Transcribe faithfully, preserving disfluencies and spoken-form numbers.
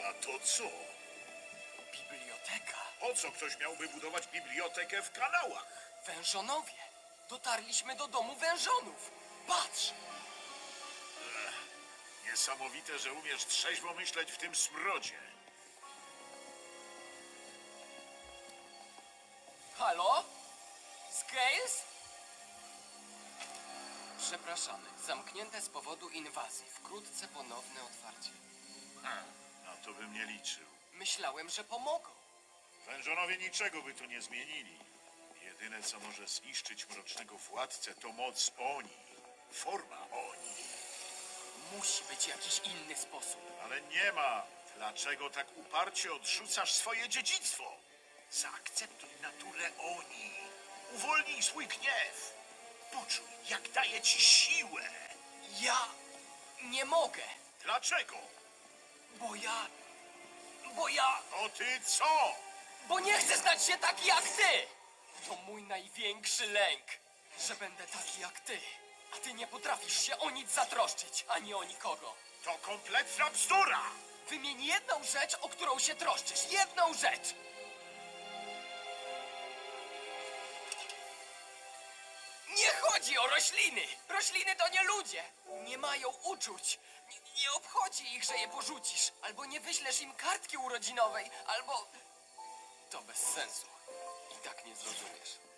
A to co? Biblioteka. Po co ktoś miałby budować bibliotekę w kanałach? Wężonowie. Dotarliśmy do domu wężonów. Patrz! Niesamowite, że umiesz trzeźwo myśleć w tym smrodzie. Halo? Scales? Przepraszamy. Zamknięte z powodu inwazji. Wkrótce ponowne otwarcie. Ha, na to bym nie liczył. Myślałem, że pomogą. Wężonowie niczego by tu nie zmienili. Jedyne, co może zniszczyć mrocznego władcę, to moc Oni. Forma Oni. Musi być jakiś inny sposób. Ale nie ma. Dlaczego tak uparcie odrzucasz swoje dziedzictwo? Zaakceptuj naturę Oni. Uwolnij swój gniew. Poczuj, jak daje ci siłę. Ja nie mogę, Dlaczego? bo ja... Bo ja... To ty co? Bo nie chcę stać się taki jak ty! To mój największy lęk, że będę taki jak ty. A ty nie potrafisz się o nic zatroszczyć, ani o nikogo. To kompletna bzdura! Wymień jedną rzecz, o którą się troszczysz. Jedną rzecz! Nie chodzi o rośliny! Rośliny to nie ludzie! Nie mają uczuć. Nie, nie obchodzi ich, że je porzucisz. Albo nie wyślesz im kartki urodzinowej, albo... To bez sensu. I tak nie zrozumiesz.